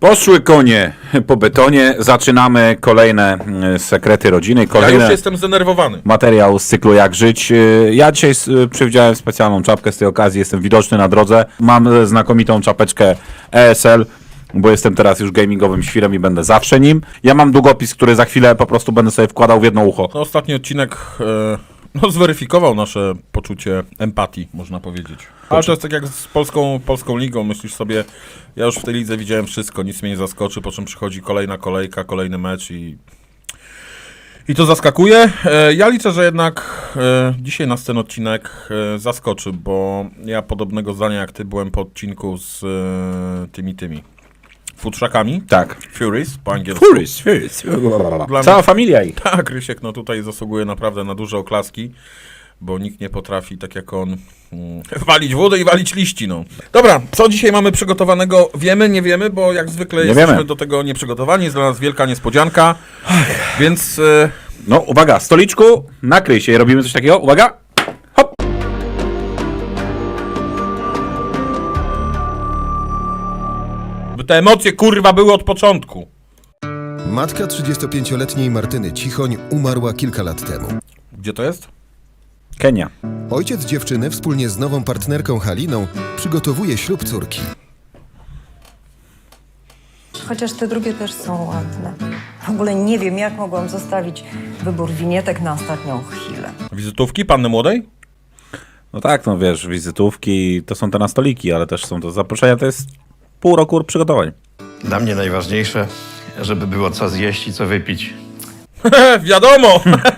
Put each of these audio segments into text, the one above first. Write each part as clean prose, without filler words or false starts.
Poszły konie po betonie, zaczynamy kolejne sekrety rodziny, Ja kolejny już jestem zdenerwowany. materiał z cyklu Jak żyć. Ja dzisiaj przewidziałem specjalną czapkę z tej okazji, jestem widoczny na drodze, mam znakomitą czapeczkę ESL, bo jestem teraz już gamingowym świrem i będę zawsze nim. Ja mam długopis, który za chwilę po prostu będę sobie wkładał w jedno ucho. No, ostatni odcinek zweryfikował nasze poczucie empatii, można powiedzieć. Ale to jest tak jak z polską ligą, myślisz sobie, ja już w tej lidze widziałem wszystko, nic mnie nie zaskoczy, po czym przychodzi kolejna kolejka, kolejny mecz i to zaskakuje. Ja liczę, że jednak dzisiaj nas ten odcinek zaskoczy, bo ja podobnego zdania jak ty byłem po odcinku z tymi futrzakami. Tak. Furies po angielsku. Furies. Cała familia ich. Tak, Rysiek no tutaj zasługuje naprawdę na duże oklaski, bo nikt nie potrafi tak jak on walić wodę i walić liści, no. Dobra, co dzisiaj mamy przygotowanego? Wiemy, nie wiemy, bo jak zwykle jesteśmy do tego nieprzygotowani, jest dla nas wielka niespodzianka, więc... No uwaga, stoliczku, nakryj się i robimy coś takiego, uwaga, hop. By te emocje kurwa były od początku. Matka 35-letniej Martyny Cichoń umarła kilka lat temu. Gdzie to jest? Kenia. Ojciec dziewczyny wspólnie z nową partnerką Haliną przygotowuje ślub córki. Chociaż te drugie też są ładne. W ogóle nie wiem, jak mogłam zostawić wybór winietek na ostatnią chwilę. Wizytówki panny młodej? No tak, no wiesz, wizytówki to są te na stoliki, ale też są to zaproszenia, to jest pół roku przygotowań. Dla mnie najważniejsze, żeby było co zjeść i co wypić. Wiadomo!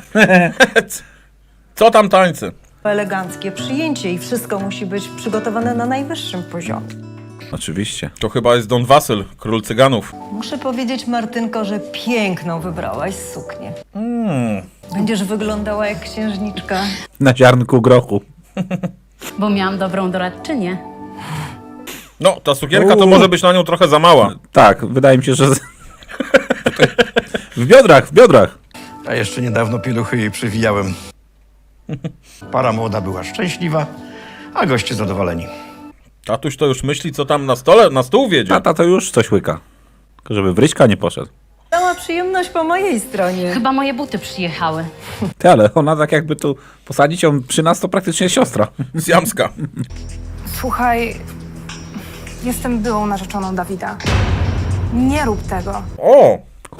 Co tam tańcy? Eleganckie przyjęcie i wszystko musi być przygotowane na najwyższym poziomie. Oczywiście. To chyba jest Don Wasyl, król cyganów. Muszę powiedzieć, Martynko, że piękną wybrałaś suknię. Będziesz wyglądała jak księżniczka. Na ziarnku grochu. Bo miałam dobrą doradczynię. No, ta sukienka to może być na nią trochę za mała. Tak, wydaje mi się, że... w biodrach. A jeszcze niedawno pieluchy jej przywijałem. Para młoda była szczęśliwa, a goście zadowoleni. Tatuś to już myśli, co tam na stole, na stół wiedzie. Tata to już coś łyka. Tylko żeby w Ryśka nie poszedł. Cała przyjemność po mojej stronie. Chyba moje buty przyjechały. Ty, ale ona tak jakby tu posadzić ją przy nas, to praktycznie siostra. Siamska. Słuchaj, jestem byłą narzeczoną Dawida. Nie rób tego. O!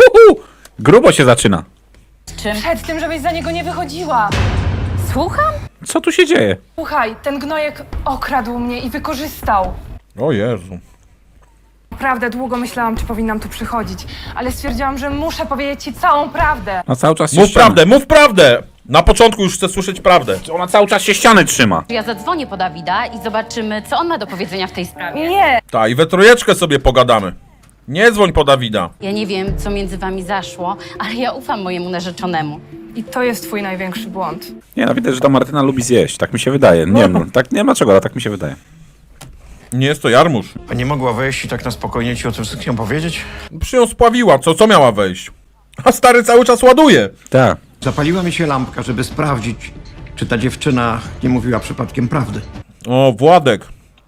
Grubo się zaczyna. Przed tym, żebyś za niego nie wychodziła. Słucham? Co tu się dzieje? Słuchaj, ten gnojek okradł mnie i wykorzystał. O Jezu. Naprawdę długo myślałam, czy powinnam tu przychodzić, ale stwierdziłam, że muszę powiedzieć ci całą prawdę. Ona cały czas się Mów ściany. prawdę, mów prawdę! Na początku już chcę słyszeć prawdę. Ona cały czas się ściany trzyma. Ja zadzwonię po Dawida i zobaczymy, co on ma do powiedzenia w tej sprawie. Nie! Ta, i we trójeczkę sobie pogadamy. Nie dzwoń po Dawida. Ja nie wiem, co między wami zaszło, ale ja ufam mojemu narzeczonemu. I to jest twój największy błąd. Nie, no widać, że ta Martyna lubi zjeść. Tak mi się wydaje. Nie wiem, no, tak nie ma czego, ale tak mi się wydaje. Nie jest to jarmuż. A nie mogła wejść i tak na spokojnie ci o tym wszystkim powiedzieć? Przy ją spławiła, co miała wejść? A stary cały czas ładuje. Tak. Zapaliła mi się lampka, żeby sprawdzić, czy ta dziewczyna nie mówiła przypadkiem prawdy. O, Władek.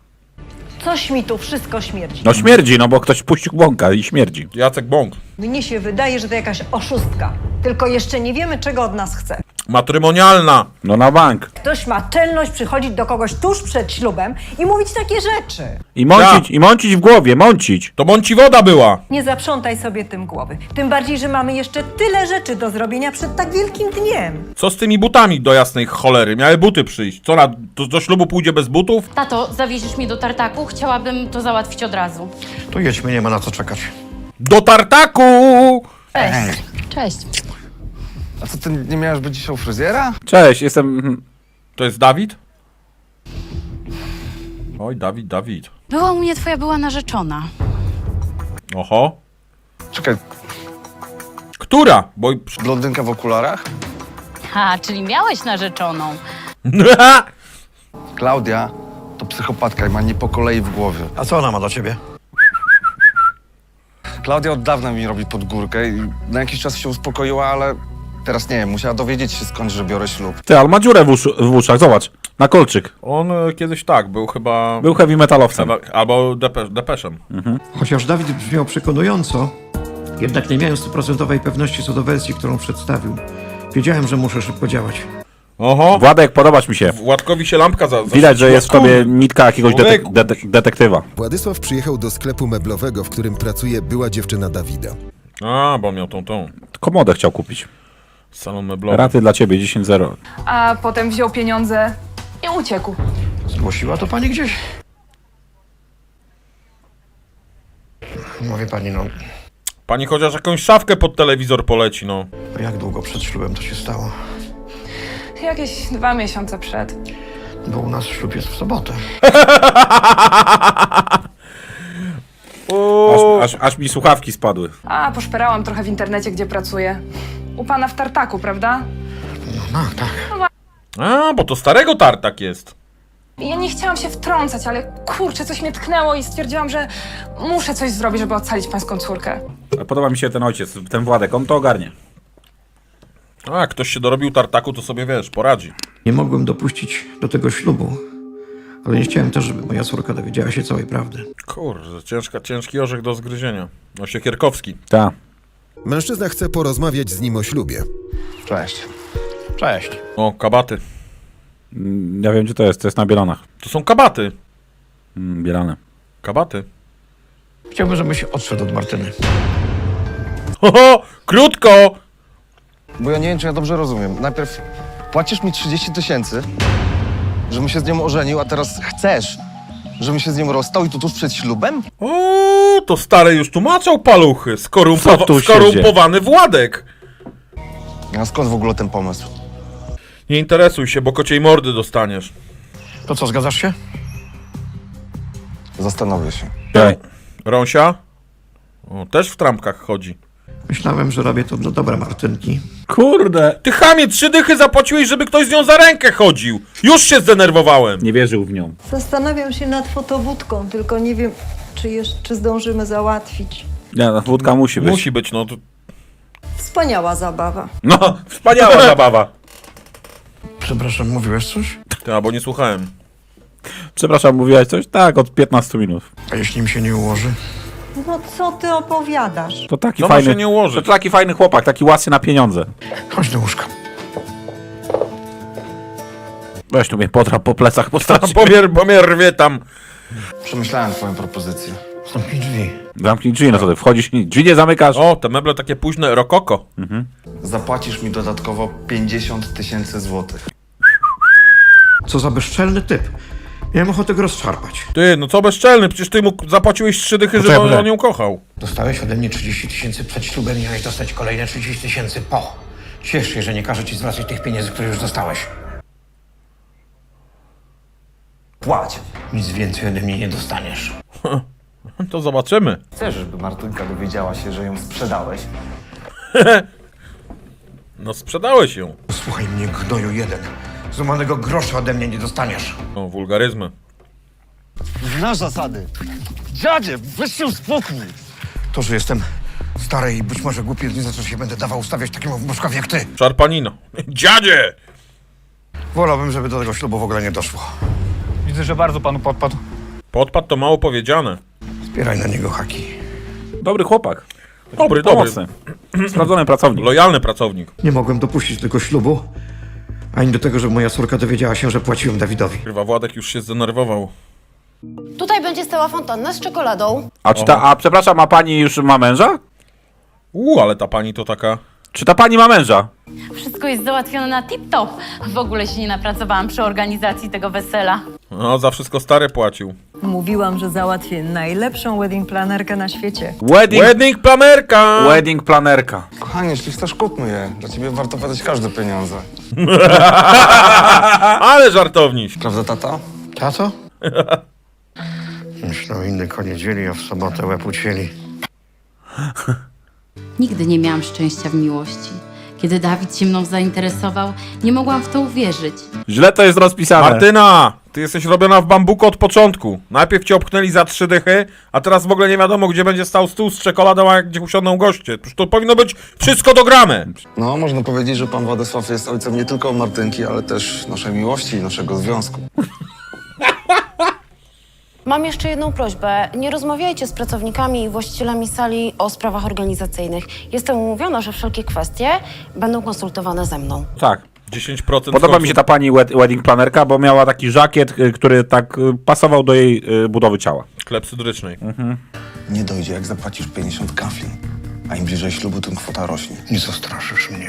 Coś mi tu wszystko śmierdzi. No śmierdzi, no bo ktoś puścił bąka i śmierdzi. Jacek Bąk. Mnie się wydaje, że to jakaś oszustka. Tylko jeszcze nie wiemy, czego od nas chce. Matrymonialna. No na bank. Ktoś ma czelność przychodzić do kogoś tuż przed ślubem i mówić takie rzeczy. I mącić w głowie, mącić. To bądź woda była. Nie zaprzątaj sobie tym głowy. Tym bardziej, że mamy jeszcze tyle rzeczy do zrobienia przed tak wielkim dniem. Co z tymi butami do jasnej cholery? Miały buty przyjść. Co, do ślubu pójdzie bez butów? Tato, zawieziesz mnie do tartaku? Chciałabym to załatwić od razu. To jedźmy, nie ma na co czekać. Do tartaku! Cześć. Cześć. A co, ty nie miałeś być dzisiaj u fryzjera? Cześć, jestem... To jest Dawid? Oj, Dawid. Była u mnie twoja była narzeczona. Oho. Czekaj, Która? Bo... blondynka w okularach? Ha, czyli miałeś narzeczoną. Klaudia to psychopatka i ma nie po kolei w głowie. A co ona ma do ciebie? Klaudia od dawna mi robi pod górkę i na jakiś czas się uspokoiła, ale teraz nie wiem, musiała dowiedzieć się skąd, że biorę ślub. Ty, ale ma dziurę w uszach, zobacz. Na kolczyk. On kiedyś tak, był chyba... Był heavy metalowcem. Albo Depeszem. Chociaż Dawid brzmiał przekonująco, jednak nie miałem 100% pewności co do wersji, którą przedstawił. Wiedziałem, że muszę szybko działać. Oho! Władek, podobasz mi się. Władkowi się lampka Widać, że jest w tobie nitka jakiegoś Człowieku. detektywa. Władysław przyjechał do sklepu meblowego, w którym pracuje była dziewczyna Dawida. A, bo miał tą. Komodę chciał kupić. Salon meblowy. Raty dla ciebie, 10-0. A potem wziął pieniądze i uciekł. Zgłosiła to pani gdzieś? Mówi pani, no, Pani chociaż jakąś szafkę pod telewizor poleci, no. jak długo przed ślubem to się stało? Jakieś 2 miesiące przed. Bo u nas ślub jest w sobotę. Aż mi słuchawki spadły. A poszperałam trochę w internecie, gdzie pracuję. U pana w tartaku, prawda? No, tak. A, bo to starego tartak jest. Ja nie chciałam się wtrącać, ale kurczę, coś mnie tknęło i stwierdziłam, że muszę coś zrobić, żeby ocalić pańską córkę. Podoba mi się ten ojciec, ten Władek, on to ogarnie. A, jak ktoś się dorobił tartaku, to sobie, wiesz, poradzi. Nie mogłem dopuścić do tego ślubu, ale nie chciałem też, żeby moja córka dowiedziała się całej prawdy. Kurde, ciężki orzech do zgryzienia. No, Siekierkowski. Tak. Mężczyzna chce porozmawiać z nim o ślubie. Cześć. Cześć. O, kabaty. Ja wiem, gdzie to jest na Bielanach. To są kabaty. Bielane. Kabaty. Chciałbym, żebyś odszedł od Martyny. Ho, krótko! Bo ja nie wiem, czy ja dobrze rozumiem. Najpierw płacisz mi 30 000, żebym się z nią ożenił, a teraz chcesz, żebym się z nią rozstał i to tuż przed ślubem? O, to stary już tłumaczał paluchy. Co tu się Skorumpowany Władek. A skąd w ogóle ten pomysł? Nie interesuj się, bo kociej mordy dostaniesz. To co, zgadzasz się? Zastanowię się. Ej, Rąsia? O, też w trampkach chodzi. Myślałem, że robię to dla dobra Martynki. kurde! Ty chamie, 3 dychy zapłaciłeś, żeby ktoś z nią za rękę chodził. Już się zdenerwowałem. Nie wierzył w nią. Zastanawiam się nad fotowódką, tylko nie wiem, czy zdążymy załatwić. Nie, no, wódka musi być. Musi być, no to... Wspaniała zabawa. No, wspaniała zabawa. Przepraszam, mówiłeś coś? Ty, bo nie słuchałem. Przepraszam, mówiłaś coś? Tak, od 15 minut. A jeśli mi się nie ułoży? No co ty opowiadasz? To taki Co ma fajny. się nie ułożyć? To taki fajny chłopak, taki łasy na pieniądze. Chodź do łóżka. Weź tu mnie potrap po plecach, postarczy. Bo mnie rwie tam. Przemyślałem twoją propozycję. Zamknij drzwi. Zamknij drzwi, no to ty wchodzisz i drzwi nie zamykasz. O, te meble takie późne, rokoko. Zapłacisz mi dodatkowo 50 000 złotych. Co za bezczelny typ. Miałem ochotę go rozszarpać. Ty, no co bezczelny, przecież ty mu zapłaciłeś 3 dychy, żeby Poczekaj. on ją kochał. Dostałeś ode mnie 30 000 przed ślubem, miałeś dostać kolejne 30 000 po. Ciesz się, że nie każę ci zwracać tych pieniędzy, które już dostałeś. Płać. Nic więcej ode mnie nie dostaniesz. To zobaczymy. Chcesz, żeby Martynka dowiedziała się, że ją sprzedałeś? No sprzedałeś ją. Słuchaj mnie, gnoju jeden. Złamanego grosza ode mnie nie dostaniesz. No, wulgaryzmy. Znasz zasady. Dziadzie, weź się spokój. To, że jestem stary i być może głupi, nie znaczy, że się będę dawał ustawiać takiemu wnuczkowi jak ty. Szarpanino. Dziadzie! Wolałbym, żeby do tego ślubu w ogóle nie doszło. Widzę, że bardzo panu podpadł. Podpad to mało powiedziane. Zbieraj na niego haki. Dobry chłopak. Dobry. Pomocny. Sprawdzony pracownik. Lojalny pracownik. Nie mogłem dopuścić tego ślubu, ani do tego, żeby moja córka dowiedziała się, że płaciłem Dawidowi. Chyba Władek już się zdenerwował. Tutaj będzie stała fontanna z czekoladą. A przepraszam, a pani już ma męża? Ale ta pani to taka... Czy ta pani ma męża? Wszystko jest załatwione na tip-top. W ogóle się nie napracowałam przy organizacji tego wesela. No, za wszystko stary płacił. Mówiłam, że załatwię najlepszą wedding planerkę na świecie. Wedding planerka! Wedding planerka. Kochanie, jeśli chcesz, kupmy je. Dla ciebie warto wydać każde pieniądze. Ale żartowniś. Prawda, tata? Tato? Myślał inny koniec dzieli, a w sobotę łeb ucięli. Nigdy nie miałam szczęścia w miłości. Kiedy Dawid się mną zainteresował, nie mogłam w to uwierzyć. Źle to jest rozpisane. Martyna! Ty jesteś robiona w bambuku od początku. Najpierw cię obknęli za 3 dychy, a teraz w ogóle nie wiadomo, gdzie będzie stał stół z czekoladą, a gdzie usiądą goście. Przecież to powinno być wszystko dograne. No, można powiedzieć, że pan Władysław jest ojcem nie tylko Martynki, ale też naszej miłości i naszego związku. Mam jeszcze jedną prośbę. Nie rozmawiajcie z pracownikami i właścicielami sali o sprawach organizacyjnych. Jestem umówiona, że wszelkie kwestie będą konsultowane ze mną. Tak. 10% Podoba mi się ta pani wedding planerka, bo miała taki żakiet, który tak pasował do jej budowy ciała. klepsydrycznej. Nie dojdzie, jak zapłacisz 50 kafli. A im bliżej ślubu, tym kwota rośnie. Nie zastraszysz mnie.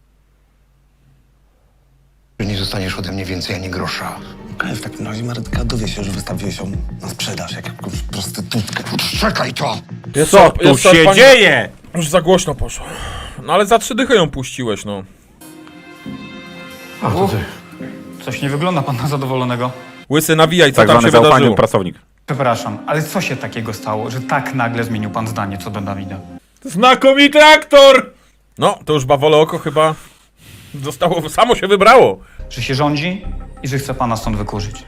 Że nie zostaniesz ode mnie więcej ani grosza. Okej, w takim razie Marytka dowie się, że wystawiłeś ją na sprzedaż, jak jakąś prostytutkę. Czekaj to! Co tu się dzieje? Już za głośno poszło. No ale za 3 dychy ją puściłeś, no. A, to ty. Coś nie wygląda pan na zadowolonego. Łysy, nawijaj, co Tak tam zwany się zaufany wydarzyło. pracownik. Przepraszam, ale co się takiego stało, że tak nagle zmienił pan zdanie co do Dawida? Znakomity aktor! No, to już bawole oko chyba zostało, samo się wybrało. Że się rządzi i że chce pana stąd wykurzyć.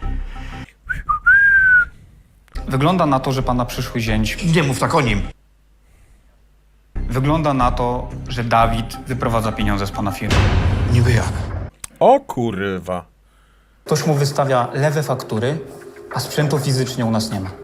Wygląda na to, że pana przyszły zięć... Nie mów tak o nim. Wygląda na to, że Dawid wyprowadza pieniądze z pana firmy. Niby jak? O kurwa. Ktoś mu wystawia lewe faktury, a sprzętu fizycznie u nas nie ma.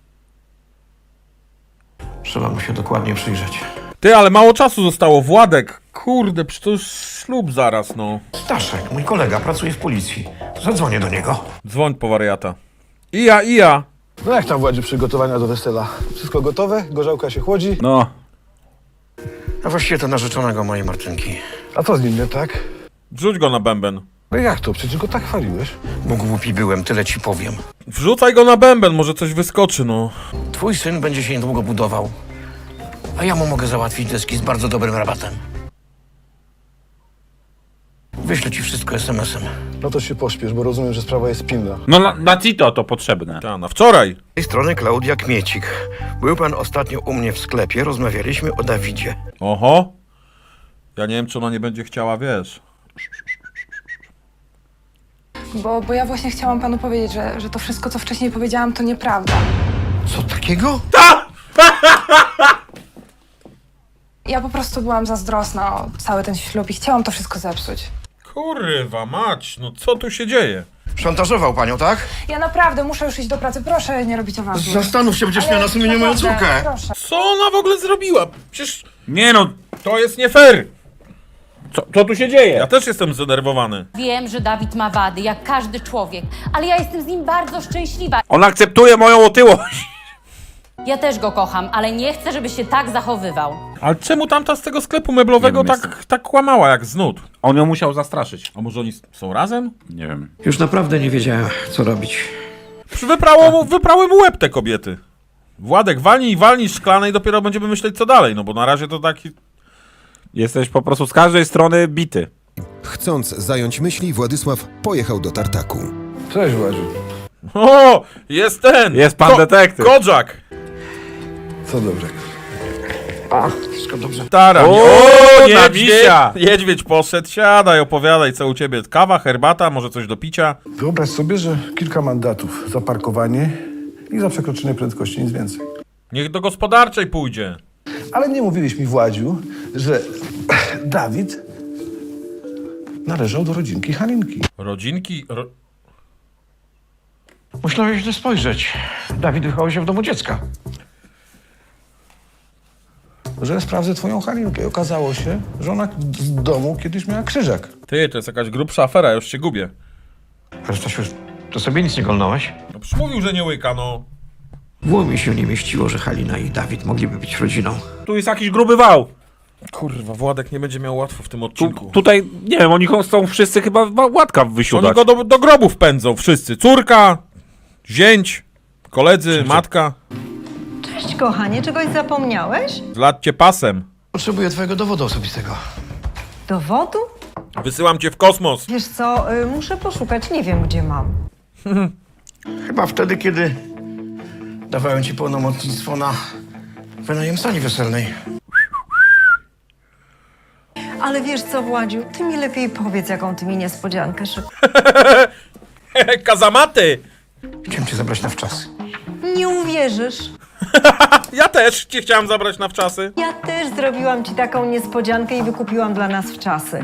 Trzeba mu się dokładnie przyjrzeć. Ty, ale mało czasu zostało. Władek, kurde, przecież to już ślub zaraz, no. Staszek, mój kolega, pracuje w policji. Zadzwonię do niego. Dzwoń po wariata. I ja. No jak tam, Władzie, przygotowania do wesela? Wszystko gotowe? Gorzałka się chłodzi? No, A właściwie to narzeczonego mojej Martynki. A co z nim nie tak? Wrzuć go na bęben. No jak to? Przecież go tak chwaliłeś. Bo głupi byłem, tyle ci powiem. Wrzucaj go na bęben, może coś wyskoczy, no. Twój syn będzie się niedługo budował. A ja mu mogę załatwić deski z bardzo dobrym rabatem. Wyślę ci wszystko SMS-em. No to się pośpiesz, bo rozumiem, że sprawa jest pilna. no na Tito to potrzebne. Ta, na wczoraj. Z tej strony Klaudia Kmiecik. Był pan ostatnio u mnie w sklepie, rozmawialiśmy o Dawidzie. Oho. Ja nie wiem, czy ona nie będzie chciała, wiesz. Bo ja właśnie chciałam panu powiedzieć, że to wszystko, co wcześniej powiedziałam, to nieprawda. Co takiego? Ja po prostu byłam zazdrosna o cały ten ślub i chciałam to wszystko zepsuć. Kurwa mać, no co tu się dzieje? Szantażował panią, tak? Ja naprawdę muszę już iść do pracy. Proszę nie robić awansu. Zastanów się, będziesz Ale miał na sumieniu moją naprawdę, córkę. Proszę. Co ona w ogóle zrobiła? Przecież Nie no, to jest nie fair. co tu się dzieje? Ja też jestem zdenerwowany. Wiem, że Dawid ma wady, jak każdy człowiek, ale ja jestem z nim bardzo szczęśliwa. On akceptuje moją otyłość. Ja też go kocham, ale nie chcę, żeby się tak zachowywał. Ale czemu tamta z tego sklepu meblowego Nie wiem, tak kłamała jak z nut? On ją musiał zastraszyć. A może oni są razem? Nie wiem. Już naprawdę nie wiedziałem, co robić. Wyprały mu łeb te kobiety. Władek, walnij szklane i dopiero będziemy myśleć co dalej, no bo na razie to taki... Jesteś po prostu z każdej strony bity. Chcąc zająć myśli, Władysław pojechał do tartaku. Cześć, Władziu. O, jest ten! Jest pan detektyw. Kozak! Co dobrego? Wszystko dobrze. Stara. O, na niedźwiedź, misia! niedźwiedź poszedł, siadaj, opowiadaj co u ciebie. Kawa, herbata, może coś do picia? Wyobraź sobie, że kilka mandatów za parkowanie i za przekroczenie prędkości, nic więcej. Niech do gospodarczej pójdzie. Ale nie mówiłeś mi, Władziu, że Dawid należał do rodzinki Halinki. Rodzinki... Musiałeś źle spojrzeć. Dawid wychował się w domu dziecka. Że sprawdzę twoją Halinkę i okazało się, że ona z domu kiedyś miała krzyżak. Ty, to jest jakaś grubsza afera, już się gubię. Ale Stasiu, to sobie nic nie golnąłeś? No przecież mówił, że nie łyka, no. W głowie mi się nie mieściło, że Halina i Dawid mogliby być rodziną. Tu jest jakiś gruby wał. Kurwa, Władek nie będzie miał łatwo w tym odcinku. Tutaj, nie wiem, oni chcą wszyscy chyba Władka Oni wysiudać. go do grobów pędzą wszyscy. Córka, zięć, koledzy, matka. Cześć, kochanie, czegoś zapomniałeś? Zladź cię pasem. Potrzebuję twojego dowodu osobistego. Dowodu? Wysyłam cię w kosmos. Wiesz co, muszę poszukać, nie wiem gdzie mam. Chyba wtedy, kiedy dawałem ci pełnomocnictwo na wynajem sali weselnej. Ale wiesz co, Władziu, ty mi lepiej powiedz, jaką ty mi niespodziankę szykujesz. Kazamaty! Chciałem cię zabrać na wczasy. Nie uwierzysz. Ja też cię chciałam zabrać na wczasy. Ja też zrobiłam ci taką niespodziankę i wykupiłam dla nas wczasy.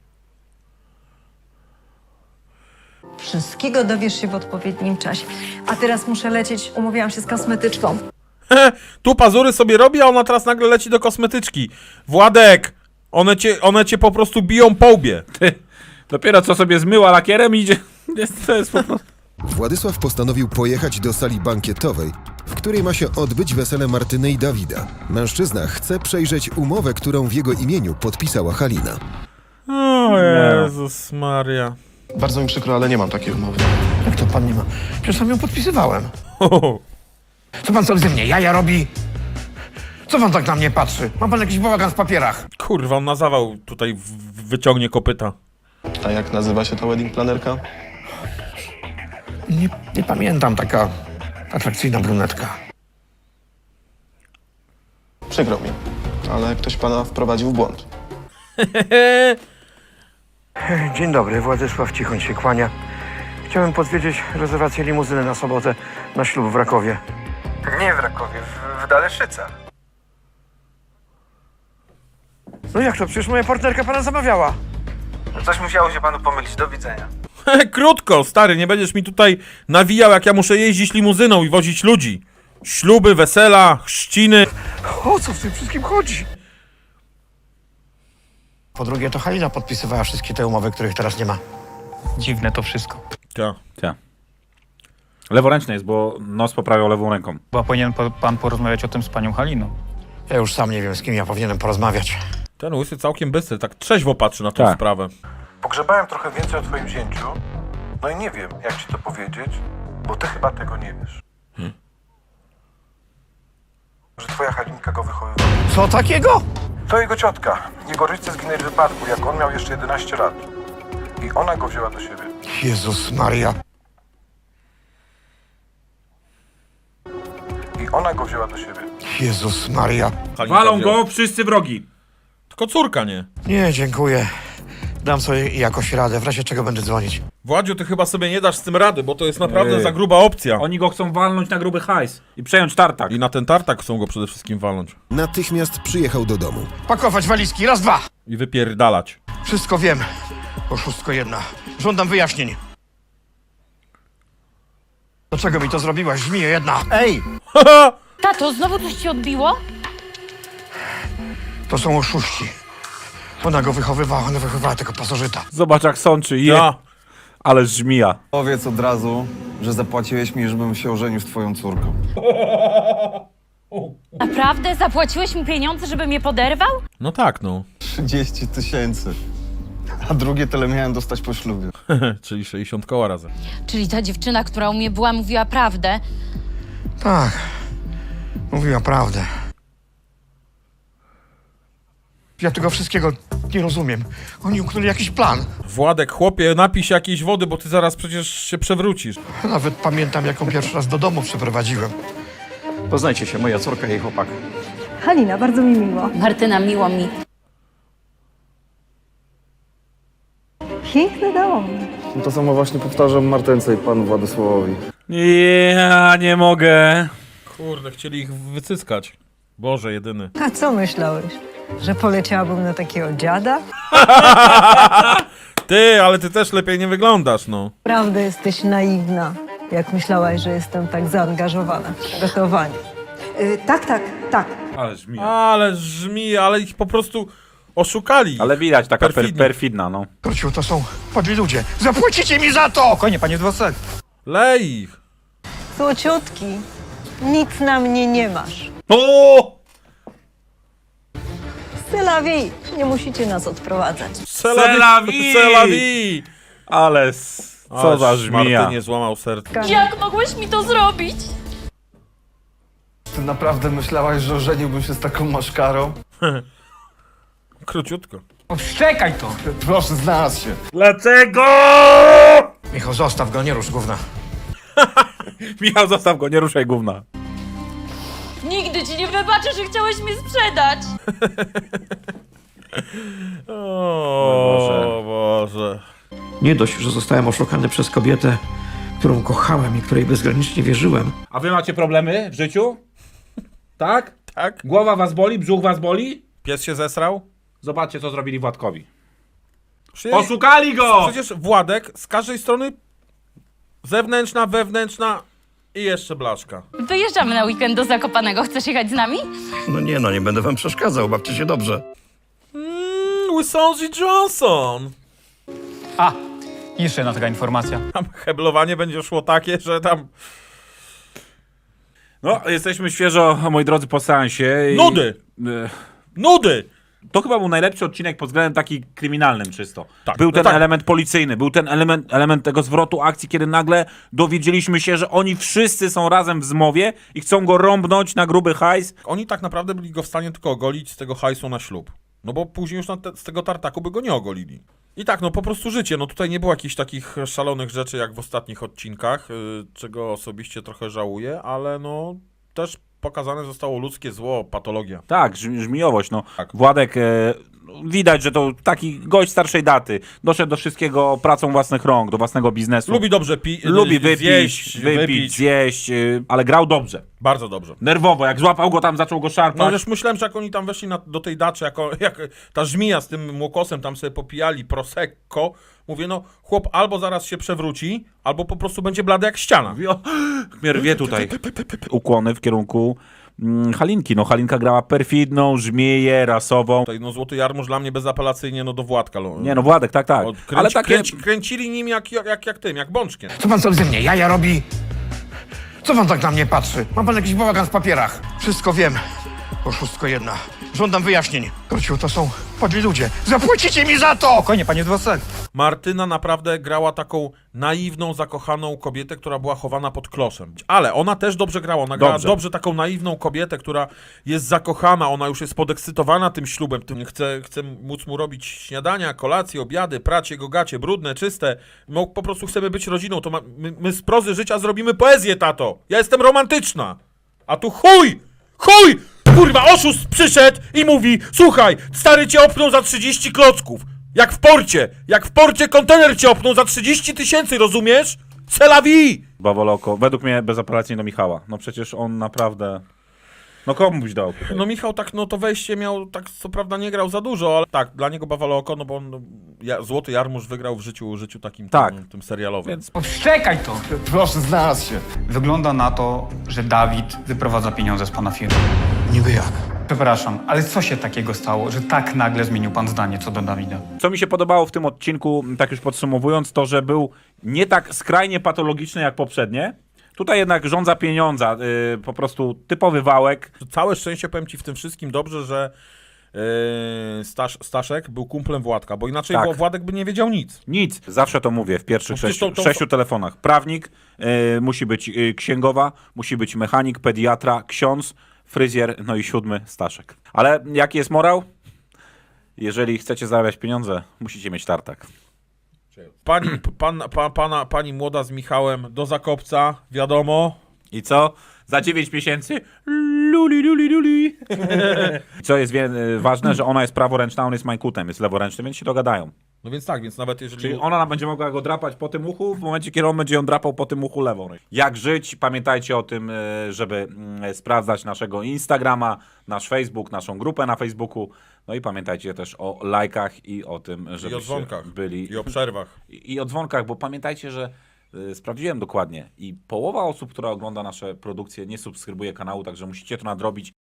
Wszystkiego dowiesz się w odpowiednim czasie. A teraz muszę lecieć, umówiłam się z kosmetyczką. Tu pazury sobie robi, a ona teraz nagle leci do kosmetyczki. Władek, one cię po prostu biją po łbie. Ty, dopiero co sobie zmyła lakierem i idzie. To jest po prostu... Władysław postanowił pojechać do sali bankietowej, w której ma się odbyć wesele Martyny i Dawida. Mężczyzna chce przejrzeć umowę, którą w jego imieniu podpisała Halina. O Jezus Maria. Bardzo mi przykro, ale nie mam takiej umowy. Jak to pan nie ma? Przecież sam ją podpisywałem. Co pan sobie ze mnie jaja robi? Co pan tak na mnie patrzy? Ma pan jakiś bałagan w papierach? Kurwa, on na zawał tutaj wyciągnie kopyta. A jak nazywa się ta wedding planerka? Nie pamiętam, taka atrakcyjna brunetka. Przykro mi, ale ktoś pana wprowadził w błąd. Dzień dobry, Władysław Cichoń się kłania. Chciałem podwiedzieć rezerwację limuzyny na sobotę na ślub w Rakowie. Nie w Rakowie, w Daleszycach. No jak to? Przecież moja partnerka pana zamawiała. Coś musiało się panu pomylić. Do widzenia. Krótko, stary, nie będziesz mi tutaj nawijał, jak ja muszę jeździć limuzyną i wozić ludzi. Śluby, wesela, chrzciny. O co w tym wszystkim chodzi? Po drugie, to Halina podpisywała wszystkie te umowy, których teraz nie ma. Dziwne to wszystko. Tak. Leworęczny jest, bo nos poprawiał lewą ręką. Chyba powinien pan porozmawiać o tym z panią Haliną. Ja już sam nie wiem, z kim ja powinienem porozmawiać. Ten łysy całkiem bystry, tak trzeźwo patrzy na tę Tak. sprawę. Pogrzebałem trochę więcej o twoim zięciu. No i nie wiem, jak ci to powiedzieć, bo ty chyba tego nie wiesz. Że twoja Halinka go wychowywała. Co takiego? To jego ciotka. Jego rodzice zginęli w wypadku, jak on miał jeszcze 11 lat. I ona go wzięła do siebie. Jezus Maria. I ona go wzięła do siebie. Jezus Maria. Halinka Walą wzięła. go wszyscy wrogi. Tylko córka nie. Nie, dziękuję. Dam sobie jakoś radę, w razie czego będę dzwonić. Władziu, ty chyba sobie nie dasz z tym rady, bo to jest naprawdę Ej. za gruba opcja. Oni go chcą walnąć na gruby hajs i przejąć tartak. I na ten tartak chcą go przede wszystkim walnąć. Natychmiast przyjechał do domu. Pakować walizki, raz, dwa. I wypierdalać. Wszystko wiem. Oszustko jedna. Żądam wyjaśnień. Dlaczego mi to zrobiłaś, żmijo jedna? Ej! Tato, znowu coś ci odbiło? To są oszuści. Ona go wychowywała, ona wychowywała tego pasożyta. Zobacz jak sączy. Ja. Ale żmija. Powiedz od razu, że zapłaciłeś mi, żebym się ożenił z twoją córką. Naprawdę? Zapłaciłeś mi pieniądze, żeby mnie poderwał? No tak, no. 30 000. A drugie tyle miałem dostać po ślubie. Czyli 60 koła razem. Czyli ta dziewczyna, która u mnie była, mówiła prawdę. Tak. Mówiła prawdę. Ja tego wszystkiego nie rozumiem. Oni uknuli jakiś plan. Władek, chłopie, napij się jakiejś wody, bo ty zaraz przecież się przewrócisz. Nawet pamiętam, jaką pierwszy raz do domu przeprowadziłem. Poznajcie się, moja córka i jej chłopak. Halina, bardzo mi miło. Martyna, miło mi. Piękny dom. To samo właśnie powtarzam Martence i panu Władysławowi. Ja nie mogę. Kurde, chcieli ich wycyskać. Boże, jedyny. A co myślałeś? Że poleciałabym na takiego dziada? Ty, ale ty też lepiej nie wyglądasz, no. Prawda, jesteś naiwna. Jak myślałaś, że jestem tak zaangażowana w gotowanie. Tak. Ale żmija. Ale żmi, ale ich po prostu oszukali. Ale widać taka Perfidnie. perfidna, no. Króciu, to są podli ludzie. Zapłacicie mi za to! Spokojnie, panie Dwosek. Lej ich. Złociutki, nic na mnie nie masz. O! Sylawi, nie musicie nas odprowadzać. Selawi! Ale co za żmija. Martynie złamał serce. Jak mogłeś mi to zrobić? Ty naprawdę myślałaś, że ożeniłbym się z taką maszkarą? Króciutko. Odszczekaj to. Proszę, znalazł się. Dlaczego? Michał, zostaw go, nie rusz gówna. Michał, zostaw go, nie ruszaj gówna. Nigdy ci nie wybaczę, że chciałeś mnie sprzedać. O Boże. Nie dość, że zostałem oszukany przez kobietę, którą kochałem i której bezgranicznie wierzyłem. A wy macie problemy w życiu? Tak? Tak? Głowa was boli? Brzuch was boli? Pies się zesrał? Zobaczcie, co zrobili Władkowi. Przecież- Oszukali go! Przecież Władek z każdej strony zewnętrzna, wewnętrzna i jeszcze blaszka. Wyjeżdżamy na weekend do Zakopanego. Chcesz jechać z nami? No nie będę wam przeszkadzał, bawcie się dobrze. Wisonji Johnson! A, jeszcze jedna taka informacja. Tam heblowanie będzie szło takie, że tam... No, jesteśmy świeżo, moi drodzy, po seansie. Nudy! Nudy! To chyba był najlepszy odcinek pod względem taki kryminalnym czysto. Tak, Był no ten tak. element policyjny, był ten element tego zwrotu akcji, kiedy nagle dowiedzieliśmy się, że oni wszyscy są razem w zmowie i chcą go rąbnąć na gruby hajs. Oni tak naprawdę byli go w stanie tylko ogolić z tego hajsu na ślub. No bo później już z tego tartaku by go nie ogolili. I tak, no po prostu życie. No tutaj nie było jakichś takich szalonych rzeczy jak w ostatnich odcinkach, czego osobiście trochę żałuję, ale no też pokazane zostało ludzkie zło, patologia. Tak, żmijowość, no. Tak. Władek, widać, że to taki gość starszej daty. Doszedł do wszystkiego pracą własnych rąk, do własnego biznesu. Lubi dobrze Lubi wypić, zjeść, zjeść, ale grał dobrze. Bardzo dobrze. Nerwowo, jak złapał go tam, zaczął go No szarpać. już myślałem, że jak oni tam weszli do tej daczy, jak ta żmija z tym młokosem tam sobie popijali prosecco, mówię, no chłop albo zaraz się przewróci, albo po prostu będzie blady jak ściana. Mnie rwie tutaj. Ukłony w kierunku Halinki. No Halinka grała perfidną, żmieję, rasową. Tutaj, no Złoty Jarmuż dla mnie bezapelacyjnie no do Władka. Nie no, Władek, tak. Ale takie... Kręcili nim jak bączkiem. Co pan sobie ze mnie jaja robi? Co pan tak na mnie patrzy? Ma pan jakiś bałagan w papierach? Wszystko wiem. Oszustko jedna. Żądam wyjaśnień. Kociu, to są podli ludzie. Zapłacicie mi za to! Spokojnie, panie Dwosek. Martyna naprawdę grała taką naiwną, zakochaną kobietę, która była chowana pod kloszem. Ale ona też dobrze grała. Ona grała dobrze taką naiwną kobietę, która jest zakochana, ona już jest podekscytowana tym ślubem. Chce móc mu robić śniadania, kolacje, obiady, prać jego gacie, brudne, czyste. Po prostu chcemy być rodziną. To my z prozy życia zrobimy poezję, tato. Ja jestem romantyczna. A tu chuj! Kurwa, oszust przyszedł i mówi: słuchaj, stary cię opnął za 30 klocków. Jak w porcie kontener cię opnął za 30 000, rozumiesz? C'est la vie! Bawoloko, według mnie bezapelacyjnie do Michała. No przecież on naprawdę... No komu byś dał? No Michał tak, no to wejście miał, tak co prawda nie grał za dużo, ale tak, dla niego Bawoloko, no bo on, Złoty Jarmuż wygrał w życiu takim tym serialowym. Więc... Szczekaj to! Proszę, znalazł się. Wygląda na to, że Dawid wyprowadza pieniądze z pana firmy. Niby jak? Przepraszam, ale co się takiego stało, że tak nagle zmienił pan zdanie co do Dawida? Co mi się podobało w tym odcinku, tak już podsumowując, to, że był nie tak skrajnie patologiczny jak poprzednie. Tutaj jednak rządza pieniądza, po prostu typowy wałek. Całe szczęście, powiem ci w tym wszystkim dobrze, że Staszek był kumplem Władka, bo inaczej Tak. Władek by nie wiedział nic. Nic, zawsze to mówię w pierwszych No przecież 6 telefonach. Prawnik, musi być księgowa, musi być mechanik, pediatra, ksiądz, fryzjer, no i 7 Staszek. Ale jaki jest morał? Jeżeli chcecie zarabiać pieniądze, musicie mieć tartak. Pani młoda z Michałem do Zakopca, wiadomo. I co? Za 9 miesięcy? Luli. Co jest ważne, że ona jest praworęczna, on jest majkutem, jest leworęczny, więc się dogadają. No więc tak, więc nawet jeżeli... Czyli ona będzie mogła go drapać po tym uchu, w momencie, kiedy on będzie ją drapał po tym uchu lewą. Jak żyć? Pamiętajcie o tym, żeby sprawdzać naszego Instagrama, nasz Facebook, naszą grupę na Facebooku. No i pamiętajcie też o lajkach i o tym, żebyście I o dzwonkach. byli... I o przerwach. I o dzwonkach, bo pamiętajcie, że sprawdziłem dokładnie i połowa osób, która ogląda nasze produkcje, nie subskrybuje kanału, także musicie to nadrobić.